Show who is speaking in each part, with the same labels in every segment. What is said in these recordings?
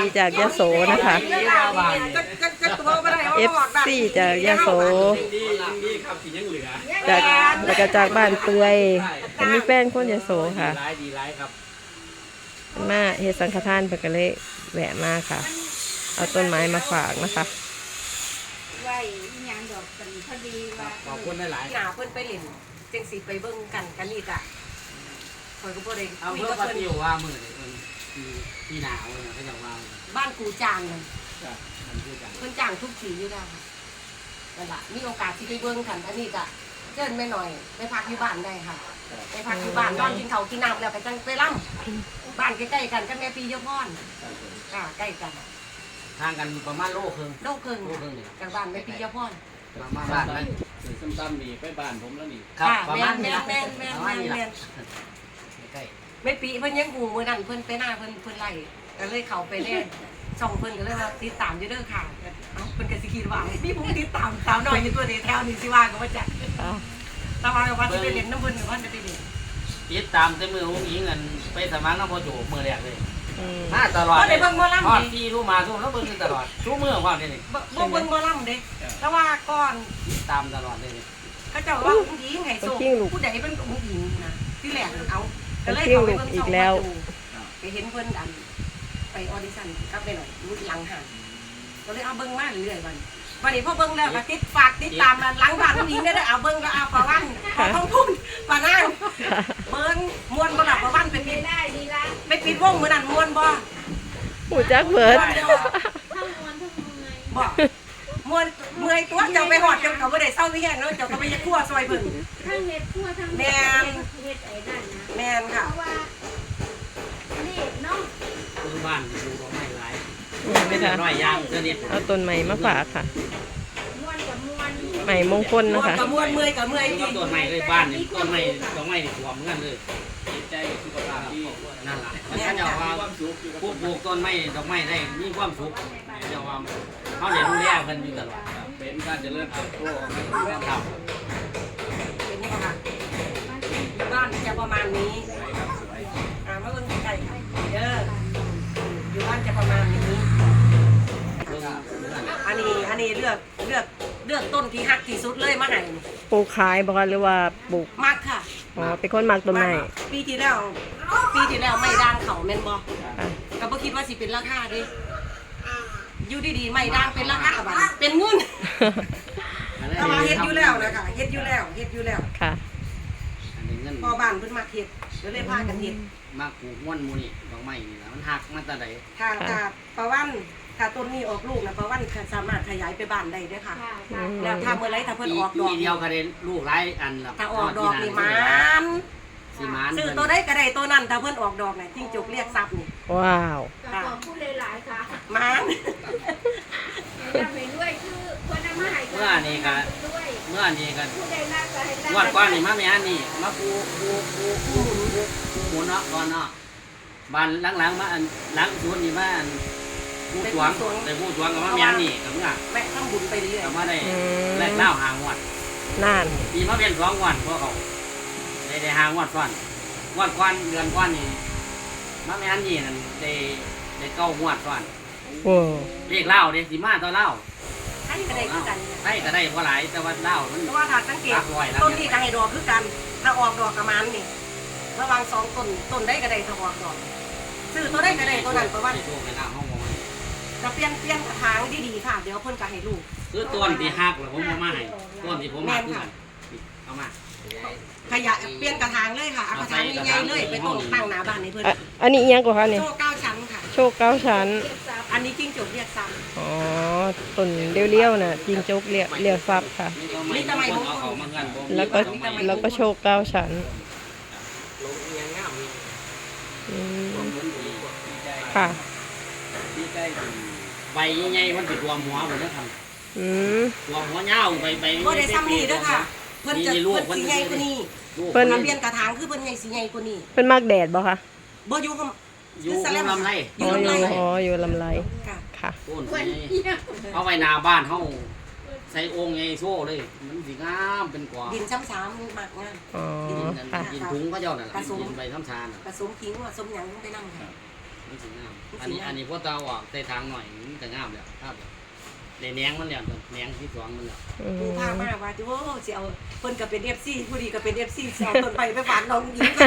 Speaker 1: จากยโสนะคะ FC จากยโสจากแล้วก็จากบ้านเปื่อยเป็นมีแฟนคนยโสค่ะมาเฮ็ดสังฆทานเพิ่นก็เลยแวะมาค่ะเอาต้นไม้มาฝากนะคะ
Speaker 2: ไว้ยังดอกกันพอดีว่า
Speaker 3: ขอบคุณหลาย
Speaker 4: หนาเพิ่นไปเล่นจังสิไปเบิ่งกันนี่จ้ะคอยก็บ่ได้
Speaker 3: เอาเพื่อว่าที่ว่ามือเนี่ยที่หนาวเนี่ยเขาจะว่า
Speaker 4: บ้านกูจางนั่น
Speaker 3: มันพูดจัง
Speaker 4: เพิ่นจ้างทุกทีอยู่แล้วค่ะนั่นล่ะมีโอกาสสิไปเบิ่งกันอันนี้ก็เชิญแม่หน่อยไปพักอยู่บ้านได้ค่ะไปพักอยู่บ้านนอนกินข้าวกินน้ำแล้วก็จังไปล่ำบ้านใกล้ๆกันกับแม่ปียพรค่ะใกล้กัน
Speaker 3: ทางกันประมาณโลครึ่ง
Speaker 4: จากบ้านแม่ปียพร
Speaker 3: มาบ้านนั่น
Speaker 5: ซ้ำๆนี่ไปบ้านผมแล้วนี่
Speaker 4: ครับประมาณนี้ละประมาณนี้ละ
Speaker 3: ใกล้
Speaker 4: แม่ปีเพิ่นยังหูมื้อนั้นเพิ่นไปหน้าเพิ่นไล่ก็เลยเข้าไปเล่นส่องเพิ่นก็เลยว่าติดตามอยู่เด้อค่ะเอ้าเพิ่นก็สิคิดว่าพี่ผมติดตามสาวน้อยอยู่ตัวนี้แถวนี้สิว่าก็บ่จักแต่ว่าสิไปเล่นน้ำเพิ่นหรือว่าจะไปเล่น
Speaker 3: ติดตามแต่มืออุ้งอิงเงินไปสมัครน้ำพอโจมือแรกเลยมาตลอด
Speaker 4: ได้เบิ่งบ่ล่ำดิ
Speaker 3: ที่รู้มาทุกแล้วเบิ่งตลอดทุกมื้อความนี่
Speaker 4: บ่เบิ่งบ่ล่ำเด้แต่ว่าก่อน
Speaker 3: ตามตลอดเลย
Speaker 4: เขาเจ้าว่าอุ้งอิงให้ส่งผู้ใดเป็นอุ้งอิงนะที่แรกเอาก็เลยเขาไปเบิ่งช่องว่าไปเห็นเพิ่นไปออดิชั่นกับไปหน่อยรู้หลังห่างก็เลยเอาเบิ่งมาเรื่อยๆวันนี้พอเบิ่งแล้วก็ฝากติดตามหลังบ้านอุ้งอิงได้เอาเบิ่งก็เอาปะวันขอท้องทุ่นปะนางเบิ่งม่วนบ่ล่ะปะวันไปปิด
Speaker 2: ได้ดีละ
Speaker 4: ไปปิดวงมื้อนั้นม่วนบ่
Speaker 1: หูจักเบิด
Speaker 2: ทั้งมวนทั้งเมื่อย
Speaker 4: บ่เมื่อยตัวเจ้าไปหอดเจ้าก็บ่ได้เศร้าวิแห้งเนาะเจ้าก็ไปคั่วซอยเพิ่น
Speaker 2: ทั้งเฮ็ดคั่วทั้ง
Speaker 4: แม่น
Speaker 2: เฮ็ดไอ้นั่นนะ
Speaker 4: แม่นค่ะ
Speaker 2: เพราะว่านี่เนาะ
Speaker 3: คือบ้านดูดอกไม้หลาย
Speaker 1: ไม่ค่ะ
Speaker 3: น้อยย่างสนิท
Speaker 1: เอาต้นไม้มาฝากค่ะ
Speaker 2: ม่วนกับม่วน
Speaker 1: ไม้มงคลนะคะ
Speaker 4: กับม่วนเมื่อยกับเมื่อยจริง
Speaker 3: ต้นไม้เลยบ้านนี่ต้นไม้ดอกไม้นี่ท่วมเหมือนกันเลย
Speaker 5: จิตใจสุขภาพที่
Speaker 3: นั่นแหละมันก็จะว่าผู้ปลูกต้นไม้ดอกไม้ได้มีความสุขจะว่าเขาเรียนรู้แลเพิ่นอยู่ตลอด
Speaker 5: เป็นการเจริญเติบโต
Speaker 3: ครับ
Speaker 4: เป็นนี่ค่ะบ้านจะประมาณนี้มาเบิ่งใกล้ๆค่ะเด้ออยู่บ้านจะประมาณนี้อันนี้เลือกต้นที่ฮักที่สุดเลยมาให้
Speaker 1: ปลูกขายบ่คะหรือว่าปลูก
Speaker 4: มักค่ะ
Speaker 1: อ๋อเป็นคนมักต้นไม้
Speaker 4: ปีที่แล้วไม่ด่างเขาแม่นบ่ก็บ่คิดว่าสิเป็นราคาเด้อยู่ดีๆไม่ด่างเป็นราคาบัดเป็นเงินแต่ว่าเฮ็ดอยู่แล้วนะคะเฮ็ดอยู่แล้ว
Speaker 1: ค่ะ
Speaker 4: พอบ้านเพิ่นมาเฮ็ดก็เลยพากันเฮ็ด
Speaker 3: มาปลูกม่วนหมู่นี่ดอกไม้นี่นะมันหักมาแต่ใด
Speaker 4: ถ้าประวันถ้าต้นนี้ออกลูกนะประวันสามารถขยายไปบ้านได้ด้วยค่ะแล้วถ้าเมื่อไรถ้าเพิ่นออกดอก
Speaker 3: เดียวก็ได้ลูกหลายอันละ
Speaker 4: ถ้าออกดอกนี่มันซื้อตัวได้ก็ได้ตัวนั้นถ้าเพิ่นออกดอกนี่จิ้งจกเรียกทรัพย์นี่
Speaker 1: ว้าว
Speaker 2: ขอบคุณหลายๆค่ะ
Speaker 4: มัน
Speaker 2: จำไปด้วยคือคนนำมาให้
Speaker 3: เมื่อนี้ก็
Speaker 2: ผู้ใดน่าจะให้
Speaker 3: งวดก่อนนี่มาแม่นี่มาปูหมุนเนาะก่อนเนาะบ้านหลังๆมาอันหลังสวนนี่มาอันผู้สวงแต่ผู้สวงกับมาแม่นี่กับเมื่อ
Speaker 4: แม่ทำบุญไปเรื่อย
Speaker 3: กับมาได้แลกเล่าหางวด
Speaker 1: นั่น
Speaker 3: ปีมาเป็น2 วันพวกเขาได้หางวดก่อนงวดก่อนเดือนก่อนนี่มาแม่นี่นั่นได้9 งวดก่อน
Speaker 1: โอ้
Speaker 3: เลขเล่าเด้สิมาต่อเล่า
Speaker 4: ให้ก็ได้คือกัน
Speaker 3: ให้ก็ได้บ่หลายแต่ว่าเล่ามัน
Speaker 4: เพราะว่าถ้าสังเกตต้นนี้ก็ให้ดอกคือกันถ้าออกดอกประมาณนี่ระหว่าง2 ต้นได้ก็ได้ถ้าออกดอกซื้อตัวได้ก็ได้ตัวนั้นประมาณจะเปลี่ยนกระถางดีๆค่ะเดี๋ยวเพิ่นก็ให้ลูก
Speaker 3: คือต้นที่หักแล้วผมเอามาให้ต้นที่ผมมาคือเอามา
Speaker 4: ขยะเปลี่ยนกระถางเลยค่ะเอากระถางใหญ่ๆเลยไปต้นตั้งหน้าบ้านให้เพิ่น
Speaker 1: อันนี้ยังกว่าคะเนี่ย
Speaker 4: โชค9 ชั้นค่ะ
Speaker 1: โชค9 ชั้น
Speaker 4: อันนี้จิ้งจกเรียกซ้ำ
Speaker 1: อ๋อต้นเลี้ยวๆน่ะจิ้งจกเรียกซับค่ะ
Speaker 4: นี่ทำไมผม
Speaker 1: แล้วก็โชค9 ชั้นค่ะ
Speaker 3: ใบใหญ่ๆมันติดรวมหัวหมดแล้วครับรวมหัวเงาใบ
Speaker 4: ก็ได้ซ้ำนี่ด้วยค่ะเพิ่นจะสีใหญ่กว่านี้เพิ่นเปลี่ยนกระถางคือเพิ่นใหญ่สีใหญ่กว่านี้
Speaker 1: เพิ่นมักแดดบ่คะ
Speaker 4: บ่อยู่
Speaker 3: ลำไร
Speaker 1: อยู่ลำไรค่ะ
Speaker 3: เอาไว้หน้าบ้านเฮาใส่องค์ใหญ่โซ่เลยมันสิงามเป็นกว่า
Speaker 4: ดินช้ำๆมากงาม
Speaker 1: อ๋อค่ะ
Speaker 3: ดินถุงก็เจ้านั่นแหละดินใบช้ำๆ
Speaker 4: ผสมขิงผสมหยังไปนั่งค่ะ
Speaker 3: มันสิงามอันนี้พวกเตาออกใส่ทางหน่อยมันจะงามแล้วครับในแหนงมันแล้วแหนงที่สองมันแล้ว
Speaker 1: อื
Speaker 4: ผู้พาม มาว่าโอ้สิเอาเพิ่นก็เป็น FC ผู้ดีก็เป็น FC สิเอาต้นไปฝากน้องหญิง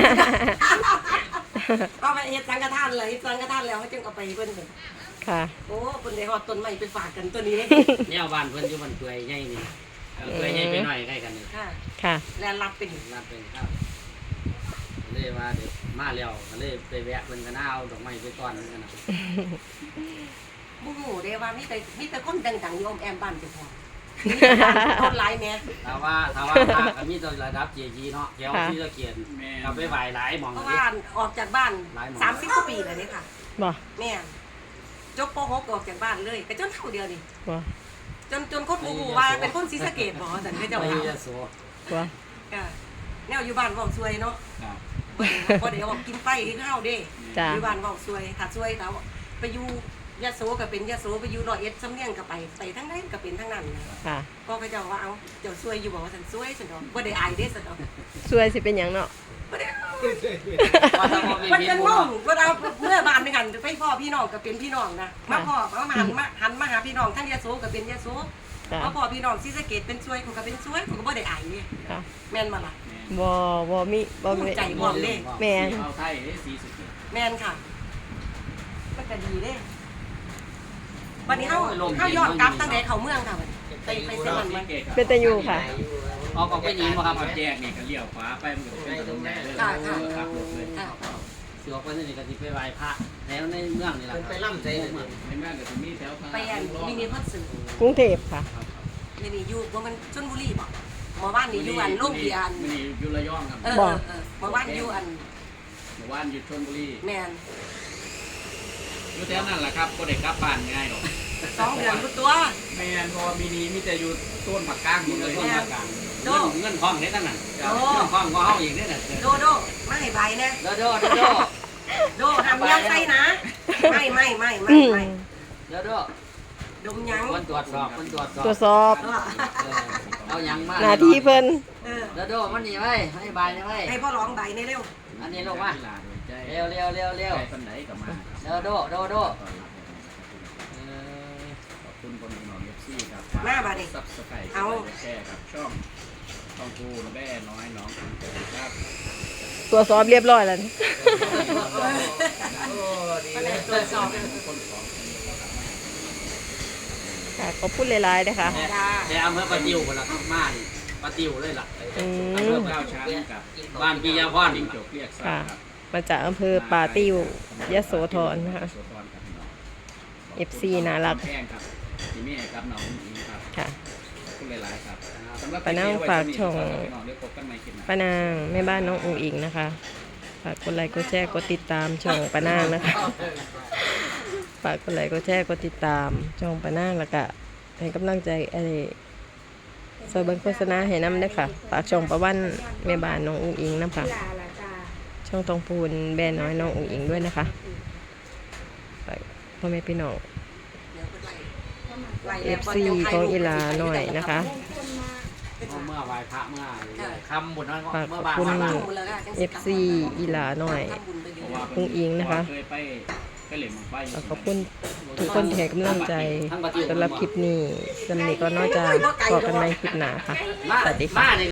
Speaker 4: เอาไปเฮ็ดสังฆทานเลยสังฆทานแล้วเขาจึงเอาไปเพิ่น
Speaker 1: ค่ะ
Speaker 4: โอ้เพิ่นได้ฮอดต้นไม้ไปฝากกันตัวนี้
Speaker 3: เนี่ยบ้านเพิ่นอยู่บ้านเปื่อยใหญ่นี่เปื่อยใหญ่ไปหน่อยใกล้กันนี่
Speaker 4: ค่ะ
Speaker 1: ค่ะ
Speaker 4: แล้วรับเป็น
Speaker 3: รับเป็นครับเลยว่าเดี๋ยวมาแล้วก็เลยไปแวะเพิ่นก็น่าเอาดอกไม้ไปก่อนนึงกันนะ
Speaker 4: บ่ฮู้เด้ว่ามีแต่คนดังๆอยู่อ้อมแอมบ้านเจ้าของคนหลายแม่
Speaker 3: ถ้าว่าก็มีตัวระดับ JG เนาะแถวที่ตะเกียน
Speaker 5: แม่
Speaker 3: เอาไปไหว้หลายหม่อง
Speaker 4: เพราะ
Speaker 3: เลย
Speaker 4: ว่าออกจากบ้าน30กว่าปีแล้วนี่ค่ะ
Speaker 1: บ่
Speaker 4: แม่จบป .6 ออกจากบ้านเลยก็จนเท่าเดียวนี่
Speaker 1: บ่
Speaker 4: จนคนบ่ฮู้ว่าเป็นคนศรีสะเกษบ่ซั่นก็เจ้า
Speaker 3: ไป
Speaker 4: ว่า
Speaker 3: ยะโส
Speaker 1: บ่
Speaker 4: แนวอยู่บ้านเว้าซวยเนาะ
Speaker 5: ครับ
Speaker 4: บ่ได้เอากินไปที่ข้าวเด้
Speaker 1: จ้า
Speaker 4: อยู่บ้านเว้าซวยถ้าซวยถ้าไปอยู่ยะโสก็เป็นยะโสไปอยู่ร้อยเอ็ดสำเนียงก็ไปทั้งนั้นก็เป็นทั้งนั้นนะ
Speaker 1: ค่ะ
Speaker 4: ก็เขาเจ้าว่าเอาเจ้าซวยอยู่บ่ว่าซั่นซวยซั่นดอกบ่ได้อายเด้ซั่นดอก
Speaker 1: สวยสิเป็นหยังเนาะ
Speaker 4: บ่ได้
Speaker 3: ว่าถ้าบ่มี
Speaker 4: มัน
Speaker 3: พิษ
Speaker 4: จะ
Speaker 3: บุ
Speaker 4: ง
Speaker 3: ญ
Speaker 4: งก็เอาเมื่อบ้านด้วยกันไปพ่อพี่น้องก็เป็นพี่น้องนะมาพ่อมาหันมาหาพี่น้องทั้งยะโสก็เป็นยะโส
Speaker 1: จ้า
Speaker 4: มาพ่อพี่น้องศรีสะเกษเป็นซวยเขาก็เป็นซวยเขาก็บ่ได้อายนี่
Speaker 1: ค่ะ
Speaker 4: แม่นบ่ล่ะ
Speaker 1: บ่มีบ่
Speaker 4: ภู
Speaker 1: มี
Speaker 4: มิใจบ่เด้
Speaker 1: แม่น
Speaker 5: เอาไทยได้สีสุด
Speaker 4: แม่นค่ะมันก็ดีเด้วันนี้เฮาย้อนกลับตั้งแต่เข้าเมืองค่ะไปเซมันมัน
Speaker 1: เป็นตะยูค่ะ
Speaker 3: ออกไปหนีบ่ครับ
Speaker 5: ขับแยกนี่ก็เลี้ยวขวาไปมันก็เป็นถนนใหญ่เลยขับรถเลย
Speaker 4: ค่ะ
Speaker 3: สิออกไปนี่ก็สิไปไหว้พระแถวในเมืองนี่ล่ะไปล่ำใจเมือง
Speaker 5: ในเมืองก็จะมีแถวทาง
Speaker 4: ไปอันมินิคอนเสิร์ต
Speaker 1: กรุงเทพค่ะ
Speaker 4: นี่อยู่บ่มันชลบุรีบ่หมู่บ้านนี่อยู่อันโรงเรียน
Speaker 5: นี่อยู่ระยองครับ
Speaker 4: หมู่บ้านอยู่อัน
Speaker 5: หมู่บ้านอยู่ชลบุรี
Speaker 4: แม่น
Speaker 5: อยู่แถวนั้นแหละครับก็ได้กลับบ้านง่ายหรอก
Speaker 4: 2 เดือนทุกตัว
Speaker 5: แม่นเพราะว่ามีแต่อยู่ต้นผักก้างหมดเลยต้นผักก้าง
Speaker 4: โด
Speaker 3: เงินทองเด้ตั้งนั้นเงินทองก็เฮาอีกเด้น่ะ
Speaker 4: โดมาให้ใบนะ
Speaker 3: โดโด
Speaker 4: โดทำยังไงนะไม่
Speaker 1: อืม
Speaker 3: โดโด
Speaker 4: ดมยัง
Speaker 3: คนตรวจสอบ
Speaker 1: ตรวจสอบ
Speaker 3: เอาหยังมา
Speaker 1: หน้าที่เพิ่น
Speaker 3: โดโดมันนี่ไว้ให้บายนี่ไว้
Speaker 4: ให้พ่อร้องใบในเร็ว
Speaker 3: อันนี้ลงมา
Speaker 5: ใจ
Speaker 3: เร็ว
Speaker 5: ใจปันไหนกับมา
Speaker 3: โด
Speaker 5: ขอบคุณคนนอนเอฟซีครับซับสไครต์แชร์ครับช่องกูแม่น้อยน้องครับ
Speaker 1: ตรวจสอบเรียบร้อยแล้วนี่
Speaker 4: ตรวจสอบ
Speaker 5: คนของ
Speaker 1: ค่ะขอบคุณหลายๆนะคะ
Speaker 3: แต่อำเภอปะติวพุ่นล่ะครับมานี่ปะติวเลยล่ะ
Speaker 1: อื
Speaker 5: อำเภอ
Speaker 1: ม
Speaker 5: เก้าช้างกับ
Speaker 3: บ้านปิยพร
Speaker 5: จิ้งจกเรียกสัต
Speaker 1: ค่ะ
Speaker 5: ว์ครับ
Speaker 1: มาจากอำเภอป่าติ้วยโสธรนะคะ
Speaker 5: โสธรครับพี่น้อง
Speaker 1: FC น่ารัก
Speaker 5: แพงครับที่นี่ครับน้องอิงครับ
Speaker 1: ค่ะ
Speaker 5: ขอบคุณหลายๆครับสำหรับ
Speaker 1: ปะนางฝากช่อง
Speaker 5: พี่น้องเดี๋ยวพบกันใหม่คลิปหน้า
Speaker 1: ป้านางแม่บ้านน้องอุ๋งอิงนะคะฝากกดไลค์กดแชร์กดติดตามช่องป้านางนะคะฝากกดไลค์กดแชร์กดติดตามช่องป้านางแล้วก็ให้กำลังใจอะไรซอยเบิ้งโฆษณาให้น้ำด้วยค่ะฝากช่องประวันแม่บ้านน้องอุ๋งอิงนะคะ
Speaker 2: ลาละจ้า
Speaker 1: ช่องทองพูนแบรนด์น้อยน้องอุ๋งอิงด้วยนะคะฝากพ่อแม่พี่น้อง FC ของอีหลาหน่อยนะคะ
Speaker 3: เมื่อไหว้พระเมื่อคำบุญน้อย
Speaker 1: ฝาก
Speaker 3: เมื่
Speaker 1: ข
Speaker 3: อ
Speaker 1: อบ
Speaker 3: บ้าน
Speaker 1: คุณ
Speaker 3: มา
Speaker 1: FC อีหลาหน่อย
Speaker 5: เพราะว่า
Speaker 1: อุ๋งอิงนะคะ
Speaker 5: เคยไปเหล่นมังไฟ
Speaker 1: ขอบคุณทุกคนที่ให้กำลังใจสำหรับคลิปนี้สำหรับนี้ก็นอกจากขอกันในคลิปหน้าค่ะ
Speaker 3: มา
Speaker 1: สวัสดีค่ะ
Speaker 3: มานี่